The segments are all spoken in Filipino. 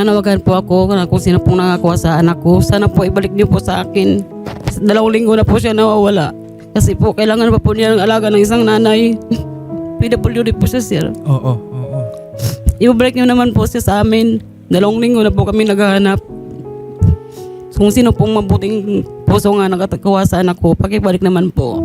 Nanawagan po ako kung sino pong nakakuha sa anak ko. Sana po ibalik niyo po sa akin. 2 linggo na po siya nawawala. Kasi po kailangan pa po niya ng alaga ng isang nanay. PWD po siya, sir. Oo. Ibabalik niyo naman po siya sa amin. 2 linggo na po kami naghahanap. Kung sino pong mabuting puso nga nakatakuha sa anak ko, pakibalik naman po.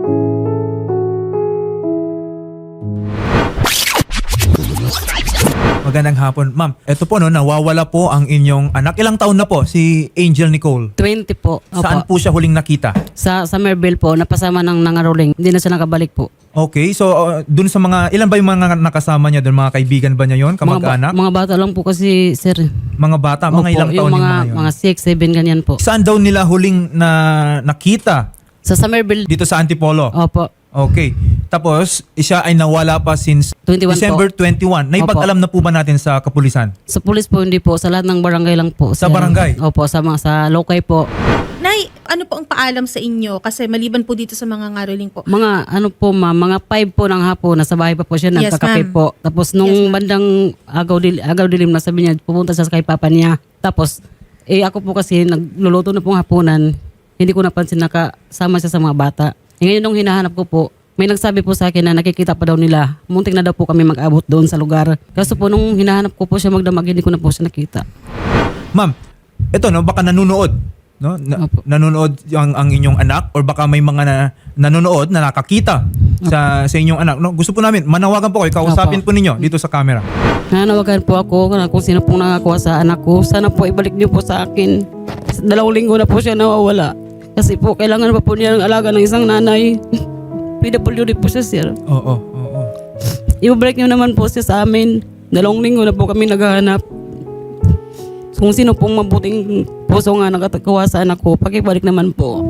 Magandang hapon. Ma'am, eto po no, nawawala po ang inyong anak. Ilang taon na po si Angel Nicole? 20 po. Opo. Saan po siya huling nakita? Sa Somerville po, napasama ng nangaroling. Hindi na siya nakabalik po. Okay, so dun sa mga, ilan ba yung mga nakasama niya dun? Mga kaibigan ba niya yon? Kamag-anak? Mga bata lang po kasi, sir. Mga bata? Mga Opo, ilang taon yung mga yun? Mga 6, 7, ganyan po. Saan daw nila huling nakita? Sa Somerville. Dito sa Antipolo? Opo. Okay. Tapos, siya ay nawala pa since 21 December po. 21. Naipag-alam na po ba natin sa kapulisan? Sa pulis po, hindi po. Sa lahat ng barangay lang po. Sa sir. barangay? Opo, sa lokay po. Nay, ano po ang paalam sa inyo? Kasi maliban po dito sa mga ngaroling po. Mga ano po ma'am, mga 5 po ng hapon, nasa bahay pa po siya, Yes, nagkakape ma'am. po. Tapos nung Yes, ma'am. bandang agaw dilim na sabi niya, pupunta siya kay papa niya. Tapos, ako po kasi nagluluto na pong hapunan, hindi ko napansin nakasama siya sa mga bata. Ngayon nung hinahanap ko po, may nagsabi po sa akin na nakikita pa daw nila. Muntik na daw po kami mag-abot doon sa lugar. Kaso po nung hinahanap ko po siya magdamag, hindi ko na po siya nakita. Ma'am, ito no, baka nanonood. No? Opo. Nanonood ang inyong anak or baka may mga nanonood na nakakita sa inyong anak. No? Gusto po namin, manawagan po kayo, kausapin po ninyo dito sa camera. Nanawagan po ako kung sino pong nakakuha sa anak ko. Sana po ibalik niyo po sa akin. 2 linggo na po siya nawawala. Kasi po kailangan pa po niya ng alaga ng isang nanay. PWD po siya, sir. Oo. Ibabalik niyo naman po siya sa amin. 2 linggo na po kami naghahanap. Kung sino pong mabuting puso nga nakatakuha sa anak ko, pakibalik naman po.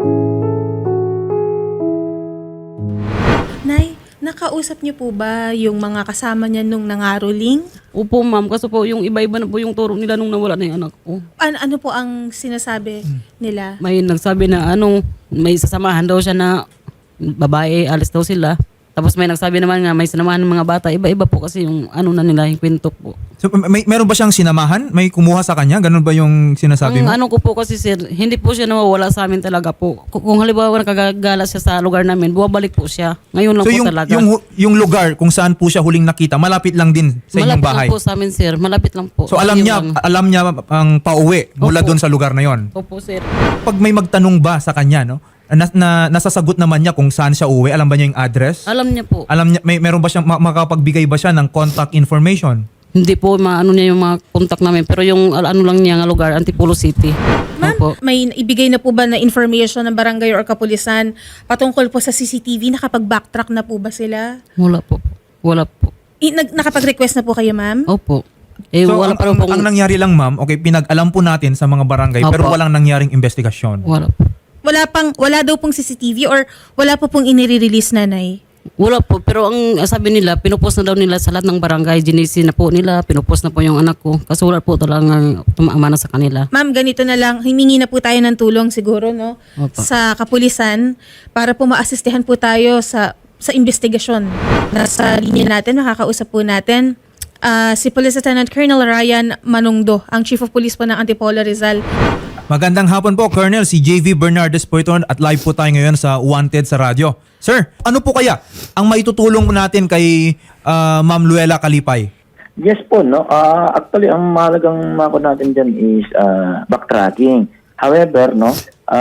Nay, nakausap niyo po ba yung mga kasama niya nung nangaroling? Opo ma'am, kasi po yung iba-iba na po yung turo nila nung nawala na yung anak ko. Ano po ang sinasabi nila? May nagsabi na may sasamahan daw siya na babae, alis daw sila. Tapos may nagsabi naman nga may sinamahan ng mga bata. Iba-iba po kasi yung na nila, yung kwento po. So, meron ba siyang sinamahan? May kumuha sa kanya? Ganun ba yung sinasabi mo? Ang ko po kasi sir, hindi po siya nawawala sa amin talaga po. Kung halimbawa nakagagala siya sa lugar namin, bumabalik po siya. Ngayon lang So po yung, talaga. yung lugar kung saan po siya huling nakita, malapit lang din sa inyong Malapit bahay? lang po sa amin sir, malapit lang po. So alam niya ang pauwi mula Opo. doon sa lugar na yon. Opo sir. Pag may magtanong ba sa kanya, no? Nasasagot naman niya kung saan siya uwi, alam ba niya yung address? Alam niya po. Alam niya, meron ba siyang makapagbigay ba siya ng contact information? Hindi po niya yung mga contact namin. Pero yung lang niya nga lugar, Antipolo City. Ma'am, Opo. may ibigay na po ba na information ng barangay or kapulisan patungkol po sa CCTV? Nakapag-backtrack na po ba sila? Wala po. Wala po. Nakapag-request na po kayo, ma'am? Opo. So Wala pa rin ang nangyari lang ma'am, okay, pinag-alam po natin sa mga barangay Opo. pero walang nangyaring investigasyon. Wala po. Wala daw pong CCTV or wala po pong inire-release, nanay? Wala po, pero ang sabi nila, pinupost na daw nila sa lahat ng barangay, GNC na po nila, pinupost na po yung anak ko. Kasi wala po talagang tumaamana sa kanila. Ma'am, ganito na lang, himingi na po tayo ng tulong siguro, no? Opo. Sa kapulisan para po maasistihan po tayo sa investigasyon. Nasa linya natin, makakausap po natin si Police Lieutenant Colonel Ryan Manungdo, ang Chief of Police po ng Antipolo Rizal. Magandang hapon po, Colonel. Si JV Bernardes po ito at live po tayo ngayon sa Wanted sa radyo. Sir, ano po kaya ang maitutulong natin kay Ma'am Luella Kalipay? Yes po, no. Actually, ang mahalagang mako natin dyan is backtracking. However, no,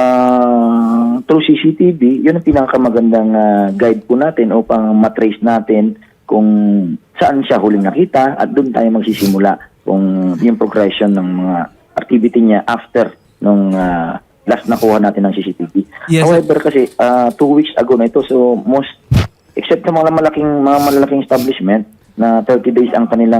through CCTV, yun ang pinakamagandang guide po natin upang matrace natin kung saan siya huling nakita at doon tayo magsisimula kung yung progression ng mga activity niya after nung last nakuha natin ng CCTV. Yes. However, kasi 2 weeks ago na ito, so most, except sa mga malalaking establishment, na 30 days ang kanilang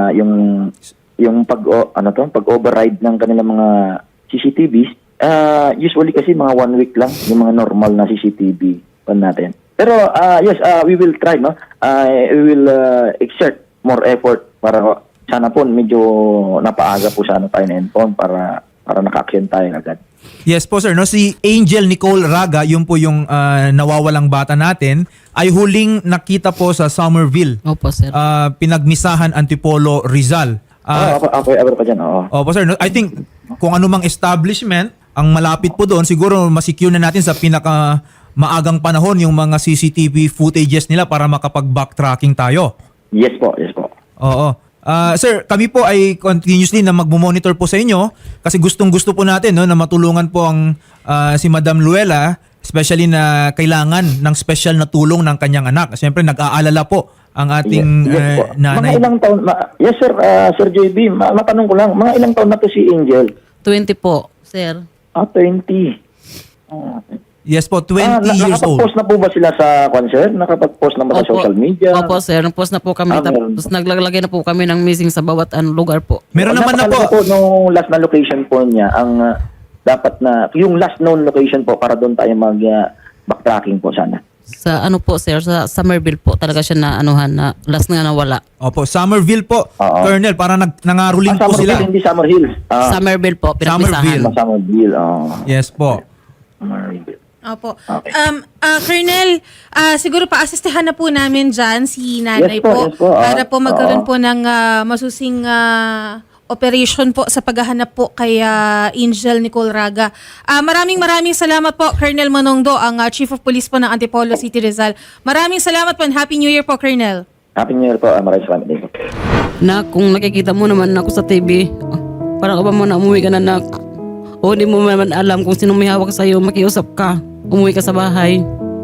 yung pag-override ng kanilang mga CCTVs. Usually kasi mga 1 week lang yung mga normal na CCTV pa natin. Pero yes, we will try, no. We will exert more effort para sana po medyo napaaga po sana tayo na-inform para naka-action tayo agad. Yes po sir, no, si Angel Nicole Raga, yun po yung nawawalang bata natin, ay huling nakita po sa Somerville. Opo sir. Pinagmisahan Antipolo Rizal. Aware pa dyan, oo. Opo sir, I think kung anumang establishment ang malapit po doon, siguro masecure na natin sa pinaka maagang panahon yung mga CCTV footages nila para makapag-backtracking tayo. Yes po, yes po. Oo. Sir, kami po ay continuously na magmo-monitor po sa inyo kasi gustong-gusto po natin no, na matulungan po ang si Madam Luella, especially na kailangan ng special na tulong ng kanyang anak. Siyempre, nag-aalala po ang ating Yes po. nanay. Mga ilang taon, yes sir, Sir JB, matanong ko lang, mga ilang taon na to si Angel? 20 po, sir. 20. Yes po, 20 years old. Nakapag-post na po ba sila sa concert? Nakapag-post na ba sa social media? Opo, sir. Nag-post na po kami. Meron. Tapos naglalagay na po kami ng missing sa bawat lugar po. Meron naman na po. Napakalala nung last na location po niya, ang dapat na, yung last known location po para doon tayo mag-backtracking po sana. Sa ano po, sir, sa Somerville po talaga siya na anuhan na last nga nawala. Opo, Somerville po, Oo. Colonel, para nangaruling po sila. Hindi Summer Hills. Somerville po, pinagpisahan. Somerville. Summerville, Yes po. Somerville. Opo. Okay. Colonel, siguro pa-asistehan na po namin dyan si nanay Yes po, yes po. para po magkaroon Oo. po ng masusing operation po sa paghahanap po kay Angel Nicole Raga. Maraming salamat po, Colonel Manongdo, ang Chief of Police po ng Antipolo City, Rizal. Maraming salamat po and Happy New Year po, Colonel. Happy New Year po. Maraming salamat din po. Na kung nakikita mo naman ako sa TV, parang ka ba mo na umuwi ka na o hindi mo naman alam kung sino may hawak sa'yo, makiusap ka. Umuwi ka sa bahay.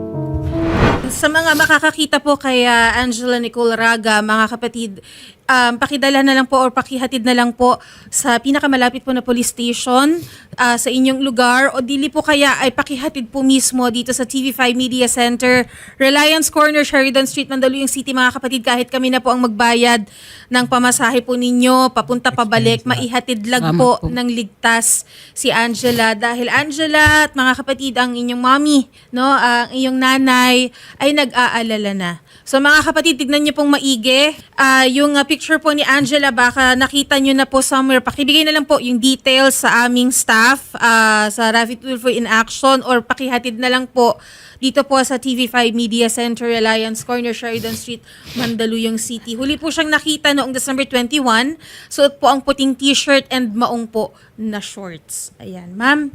Sa mga makakakita po kay Angela Nicole Raga, mga kapatid, pakidala na lang po or pakihatid na lang po sa pinakamalapit po na police station sa inyong lugar o dili po kaya ay pakihatid po mismo dito sa TV5 Media Center, Reliance Corner, Sheridan Street, Mandaluyong City, mga kapatid. Kahit kami na po ang magbayad ng pamasahe po ninyo, papunta pabalik, maihatid lang Tama po po. ng ligtas si Angela. Dahil Angela at mga kapatid, ang inyong mommy, no, ang inyong nanay ay nag-aalala na. So mga kapatid, tignan niyo pong maigi. Yung picture po ni Angela, baka nakita niyo na po somewhere. Pakibigay na lang po yung details sa aming staff sa Rapid Tulfo in Action or pakihatid na lang po dito po sa TV5 Media Center, Reliance Corner, Sheridan Street, Mandaluyong City. Huli po siyang nakita noong December 21. Suot po ang puting t-shirt and maong po na shorts. Ayan, ma'am.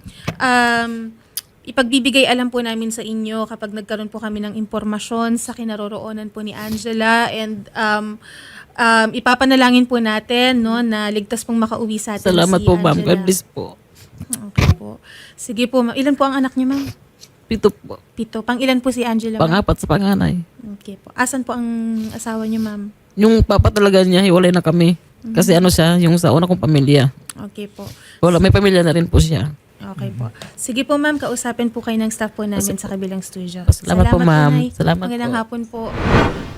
Ipagbibigay alam po namin sa inyo kapag nagkaroon po kami ng impormasyon sa kinaroroonan po ni Angela and ipapanalangin po natin no, na ligtas pong makauwi sa atin Salamat si po, ma'am. Angela. God bless po. Okay po. Sige po, ma'am. Ilan po ang anak niyo, ma'am? 7 po. 7. Pang ilan po si Angela, ma'am? Pangapat sa panganay. Okay po. Asan po ang asawa niyo, ma'am? Yung papa talaga niya, hiwalay na kami. Kasi ano siya, yung sa una kong pamilya. Okay po. Wala, may pamilya na rin po siya. Okay po. Sige po, ma'am. Kausapin po kayo ng staff po namin sa kabilang studio. Salamat po, ma'am. Nay. Salamat Magandang po. hapon po.